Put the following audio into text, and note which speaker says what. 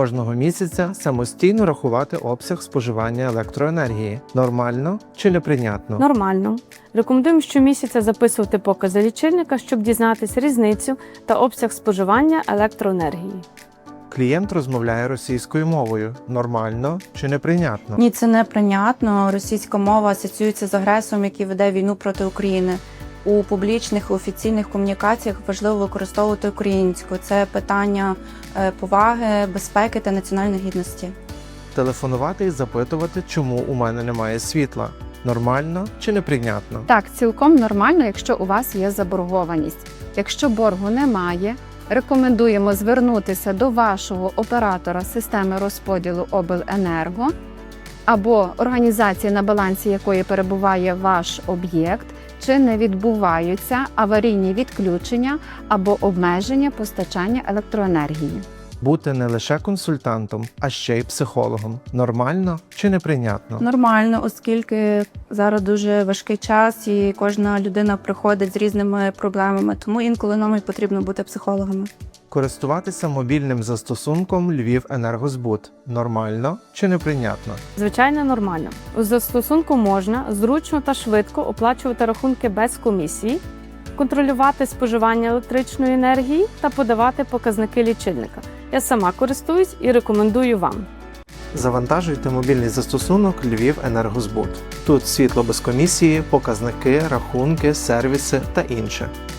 Speaker 1: кожного місяця самостійно рахувати обсяг споживання електроенергії. Нормально чи неприйнятно?
Speaker 2: Нормально. Рекомендуємо щомісяця записувати покази лічильника, щоб дізнатися різницю та обсяг споживання електроенергії.
Speaker 1: Клієнт розмовляє російською мовою. Нормально чи неприйнятно?
Speaker 3: Ні, це неприйнятно. Російська мова асоціюється з агресором, який веде війну проти України. У публічних, офіційних комунікаціях важливо використовувати українську. Це питання поваги, безпеки та національної гідності.
Speaker 1: Телефонувати і запитувати, чому у мене немає світла. Нормально чи неприйнятно?
Speaker 4: Так, цілком нормально, якщо у вас є заборгованість. Якщо боргу немає, рекомендуємо звернутися до вашого оператора системи розподілу обленерго або організації, на балансі якої перебуває ваш об'єкт, чи не відбуваються аварійні відключення або обмеження постачання електроенергії.
Speaker 1: Бути не лише консультантом, а ще й психологом. Нормально чи неприйнятно?
Speaker 3: Нормально, оскільки зараз дуже важкий час і кожна людина приходить з різними проблемами, тому інколи нам і потрібно бути психологами.
Speaker 1: Користуватися мобільним застосунком «Львівенергозбут». Нормально чи неприйнятно?
Speaker 2: Звичайно, нормально. У застосунку можна зручно та швидко оплачувати рахунки без комісії, контролювати споживання електричної енергії та подавати показники лічильника. Я сама користуюсь і рекомендую вам.
Speaker 1: Завантажуйте мобільний застосунок «Львівенергозбут». Тут світло без комісії, показники, рахунки, сервіси та інше.